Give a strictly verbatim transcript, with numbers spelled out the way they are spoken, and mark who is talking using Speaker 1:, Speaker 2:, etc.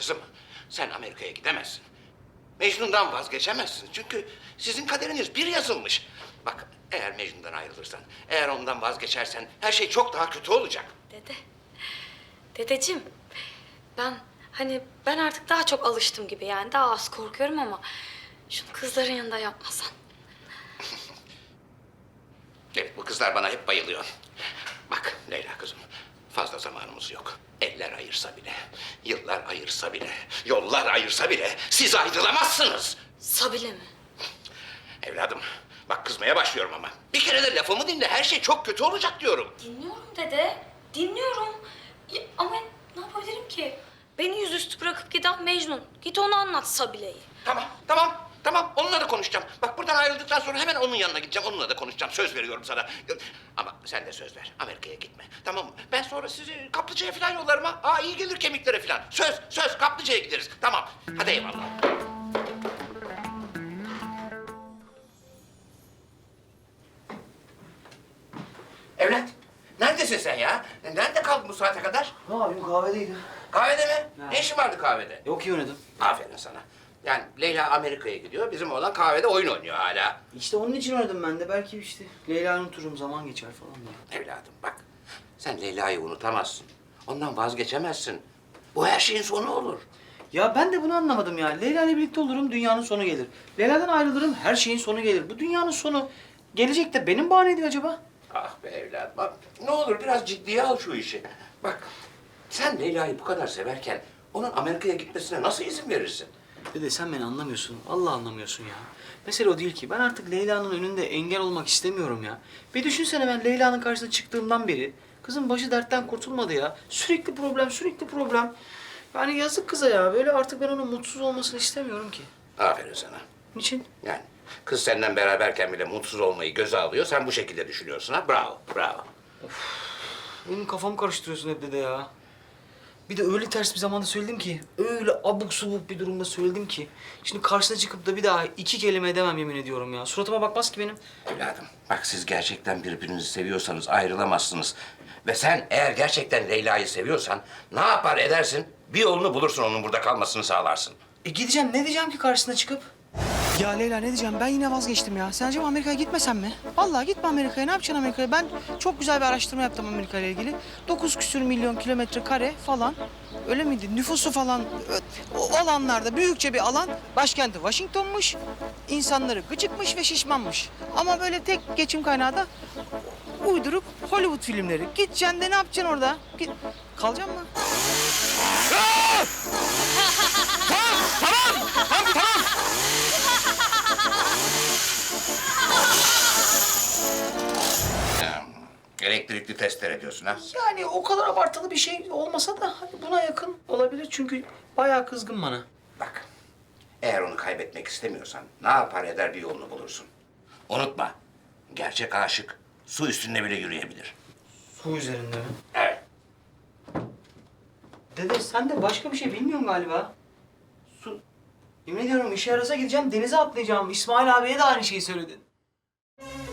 Speaker 1: Kızım, sen Amerika'ya gidemezsin. Mecnun'dan vazgeçemezsin. Çünkü sizin kaderiniz bir yazılmış. Bak, eğer Mecnun'dan ayrılırsan, eğer ondan vazgeçersen her şey çok daha kötü olacak.
Speaker 2: Dede, dedeciğim ben hani ben artık daha çok alıştım gibi yani daha az korkuyorum ama şunu kızların yanında yapmasan.
Speaker 1: Evet, bu kızlar bana hep bayılıyor. Bak Leyla kızım, fazla zamanımız yok. Eller ayırsa bile, yıllar ayırsa bile, yollar ayırsa bile siz ayrılamazsınız.
Speaker 2: Sabile mi?
Speaker 1: Evladım, bak kızmaya başlıyorum ama. Bir kere de lafımı dinle, her şey çok kötü olacak diyorum.
Speaker 2: Dinliyorum dede, dinliyorum. Ya, ama ne yapabilirim ki? Beni yüzüstü bırakıp giden Mecnun. Git onu anlat Sabile'yi.
Speaker 1: Tamam, tamam, tamam. Onunla da konuşacağım. Bak buradan ayrıldıktan sonra hemen onun yanına gideceğim. Onunla da konuşacağım. Söz veriyorum sana. Ama sen de söz ver. Amerika'ya gitme. Tamam mı? Ben sonra sizi kaplıcaya falan yollarım ha. Aa iyi gelir kemiklere falan. Söz, söz. Kaplıcaya gideriz. Tamam. Hadi eyvallah. Evlat, neredesin sen ya? Nerede kaldın bu saate kadar?
Speaker 3: Ne yapayım kahvedeydim.
Speaker 1: Kahvede mi?
Speaker 3: Ha.
Speaker 1: Ne işin vardı kahvede?
Speaker 3: Yok iyi oynadım.
Speaker 1: Aferin sana. Yani Leyla Amerika'ya gidiyor, bizim oğlan kahvede oyun oynuyor hala.
Speaker 3: İşte onun için oynadım ben de. Belki işte Leyla'yı unuturum, zaman geçer falan diye.
Speaker 1: Evladım bak, sen Leyla'yı unutamazsın. Ondan vazgeçemezsin. Bu her şeyin sonu olur.
Speaker 3: Ya ben de bunu anlamadım ya. Leyla ile birlikte olurum, dünyanın sonu gelir. Leyla'dan ayrılırım, her şeyin sonu gelir. Bu dünyanın sonu gelecek de benim bahane ediyor acaba?
Speaker 1: Ah be evladım, bak ne olur biraz ciddiye al şu işi. Bak, sen Leyla'yı bu kadar severken onun Amerika'ya gitmesine nasıl izin verirsin?
Speaker 3: Dede sen beni anlamıyorsun. Allah anlamıyorsun ya. Mesele o değil ki. Ben artık Leyla'nın önünde engel olmak istemiyorum ya. Bir düşünsene ben Leyla'nın karşısına çıktığımdan beri kızın başı dertten kurtulmadı ya. Sürekli problem, sürekli problem. Yani yazık kıza ya. Böyle artık ben onun mutsuz olmasını istemiyorum ki.
Speaker 1: Aferin sana.
Speaker 3: Niçin?
Speaker 1: Yani kız senden beraberken bile mutsuz olmayı göze alıyor. Sen bu şekilde düşünüyorsun ha. Bravo, bravo.
Speaker 3: Benim kafamı karıştırıyorsun hep dede ya. Bir de öyle ters bir zamanda söyledim ki, öyle abuk subuk bir durumda söyledim ki. Şimdi karşısına çıkıp da bir daha iki kelime edemem yemin ediyorum ya. Suratıma bakmaz ki benim.
Speaker 1: Evladım, bak siz gerçekten birbirinizi seviyorsanız ayrılamazsınız. Ve sen eğer gerçekten Leyla'yı seviyorsan ne yapar edersin? Bir yolunu bulursun onun burada kalmasını sağlarsın.
Speaker 3: E gideceğim, ne diyeceğim ki karşısına çıkıp? Ya Leyla ne diyeceğim? Ben yine vazgeçtim ya. Sen acaba Amerika'ya gitmesem mi? Vallahi gitme Amerika'ya. Ne yapacaksın Amerika'ya? Ben çok güzel bir araştırma yaptım Amerika ile ilgili. Dokuz küsür milyon kilometre kare falan. Öyle miydi? Nüfusu falan ö- o alanlarda büyükçe bir alan. Başkenti Washington'muş. İnsanları gıcıkmış ve şişmanmış. Ama böyle tek geçim kaynağı da uyduruk Hollywood filmleri. Gideceksin de ne yapacaksın orada? Git. Kalacaksın mı?
Speaker 1: Ya, elektrikli testere diyorsun ha?
Speaker 3: Yani o kadar abartılı bir şey olmasa da hani buna yakın olabilir çünkü bayağı kızgın bana.
Speaker 1: Bak, eğer onu kaybetmek istemiyorsan ne yapar eder bir yolunu bulursun. Unutma, gerçek aşık su üstünde bile yürüyebilir.
Speaker 3: Su üzerinde mi?
Speaker 1: Evet.
Speaker 3: Dede sen de başka bir şey bilmiyorsun galiba. Su... Yemin ediyorum işe yarasa gideceğim, denize atlayacağım. İsmail abiye de aynı şeyi söyledin.